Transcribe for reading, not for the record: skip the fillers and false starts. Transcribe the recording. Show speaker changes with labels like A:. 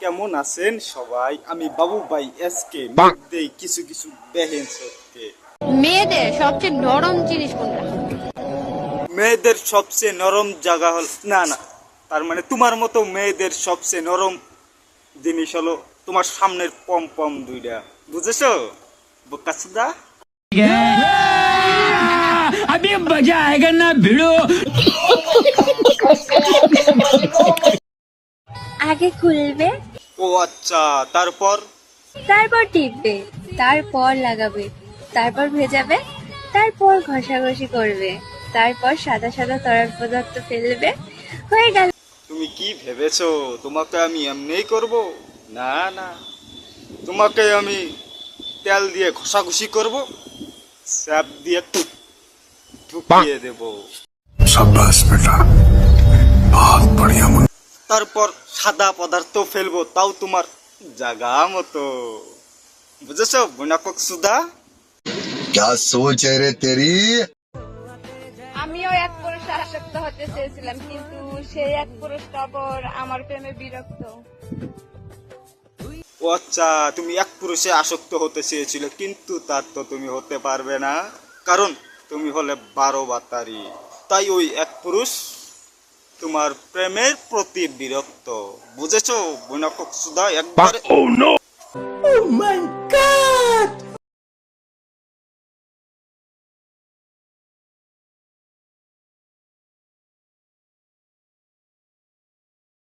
A: কেমন আছেন সবাই? আমি বাবু ভাই এসকে মধ্যে কিছু কিছু দেখেন সত্যি।
B: মেয়েদের সবচেয়ে নরম জিনিস কোনটা?
A: মেয়েদের সবচেয়ে নরম জায়গা হল না না, তার মানে তোমার মতো মেয়েদের সবচেয়ে নরম জিনিস হলো তোমার সামনের পম পম দুইটা, বুঝেছো বোকাচোদা?
C: अभी मजा आएगा ना भिड़ो।
D: আগে খুলবে,
A: ও আচ্ছা, তারপর?
D: তারপর টিপবে, তারপর লাগাবে, তারপর ভেজাবে, তারপর ঘষাঘষি করবে, তারপর সাদা সাদা তরল পদার্থ ফেলবে, হয়ে গেল।
A: তুমি কি ভেবেছো তোমাকে আমি এমনিই করব? না না, তোমাকে আমি তেল দিয়ে ঘষাঘষি করব, স্যাপ দিয়ে ঢুকিয়ে দেব।
E: शाबाश बेटा, बहुत बढ़िया मुन्ना।
A: তারপর সাদা পদার্থ ফেলবো, তাও তোমার জাগা মতো, বুঝেছো বুনাকক সুদা?
E: क्या सोच है रे तेरी।
F: আমিও এক পুরুষে আসক্ত হতে চেয়েছিলাম, কিন্তু সেই এক পুরুষটা পর আমার প্রেমে বিরক্ত।
A: ও আচ্ছা, তুমি এক পুরুষে আসক্ত হতে চেয়েছিলে, কিন্তু তার তো তুমি হতে পারবে না, কারণ তুমি হলে 12 বাতারি। তাই ওই এক পুরুষ তোমার প্রেমের প্রতি বিরক্ত, বুঝেছো বুনাকক সুদা একবারে?
C: Oh my